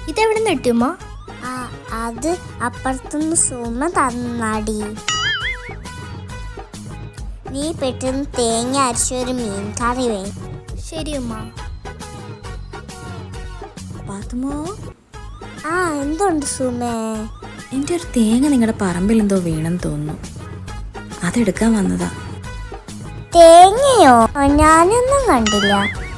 ഇതെവിടെ നിന്ന് കിട്ടുമ്മ? അത് അപ്പുറത്തുനിന്ന് സുമ തന്നാടി. നീ പെട്ടെന്ന് തേങ്ങ അരച്ചൊരു മീൻ കറി വേ. ശരി ഉമ്മ. പാത്തുമോ, എന്തുണ്ട് സുമേ? എൻ്റെ ഒരു തേങ്ങ നിങ്ങളുടെ പറമ്പിൽ എന്തോ വീണെന്ന് തോന്നുന്നു, അതെടുക്കാൻ വന്നതാ. തേങ്ങയോ? ഞാനൊന്നും കണ്ടില്ല.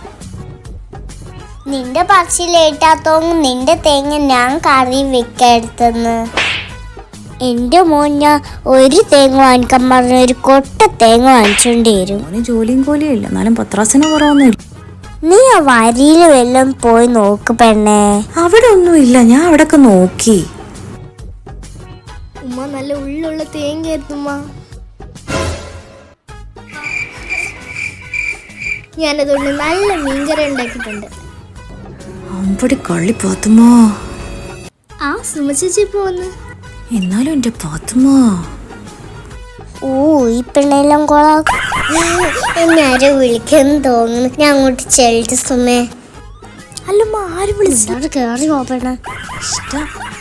നിന്റെ പക്ഷിയിലേറ്റാത്തോങ്ങും നിന്റെ തേങ്ങ ഞാൻ കറി വെക്കെടുത്തെന്ന്. എൻ്റെ മോൻ ഞാൻ ഒരു തേങ്ങ വാങ്ങിക്കാൻ പറഞ്ഞ ഒരു കൊട്ട തേങ്ങ വാങ്ങിച്ചോണ്ടി വരും. മോന് ജോലിയും കൂലിയും ഇല്ല, എന്നാലും പത്രാസിന് കുറവൊന്നുമില്ല. നീ ആ വരിയിൽ വല്ലതും പോയി നോക്ക് പെണ്ണേ. അവിടെ ഒന്നുമില്ല, ഞാൻ അവിടെയൊക്കെ നോക്കി. ഉമ്മ നല്ല ഉള്ളുള്ള തേങ്ങ ആയിരുന്നുമ്മ. ഞാനതുകൊണ്ട് നല്ല മീൻകറി ഉണ്ടാക്കിയിട്ടുണ്ട്. അമ്പടി കള്ളി പാത്തുമോ. സുമ ചേച്ചി പോന്ന്. എന്നാലും എൻ്റെ പാത്തുമോ. ഈ പെണ്ണെല്ലാം കൊളാക്കും. എന്നെ ആരോ വിളിക്കുന്നു തോന്നുന്നു. ഞാൻ അങ്ങോട്ട് ചെല്ലിട്ട് സുമേ. അല്ലമ്മ, ആര് വിളിച്ചു? കേറി പോപ്പെണ്ണ. ഇഷ്ടം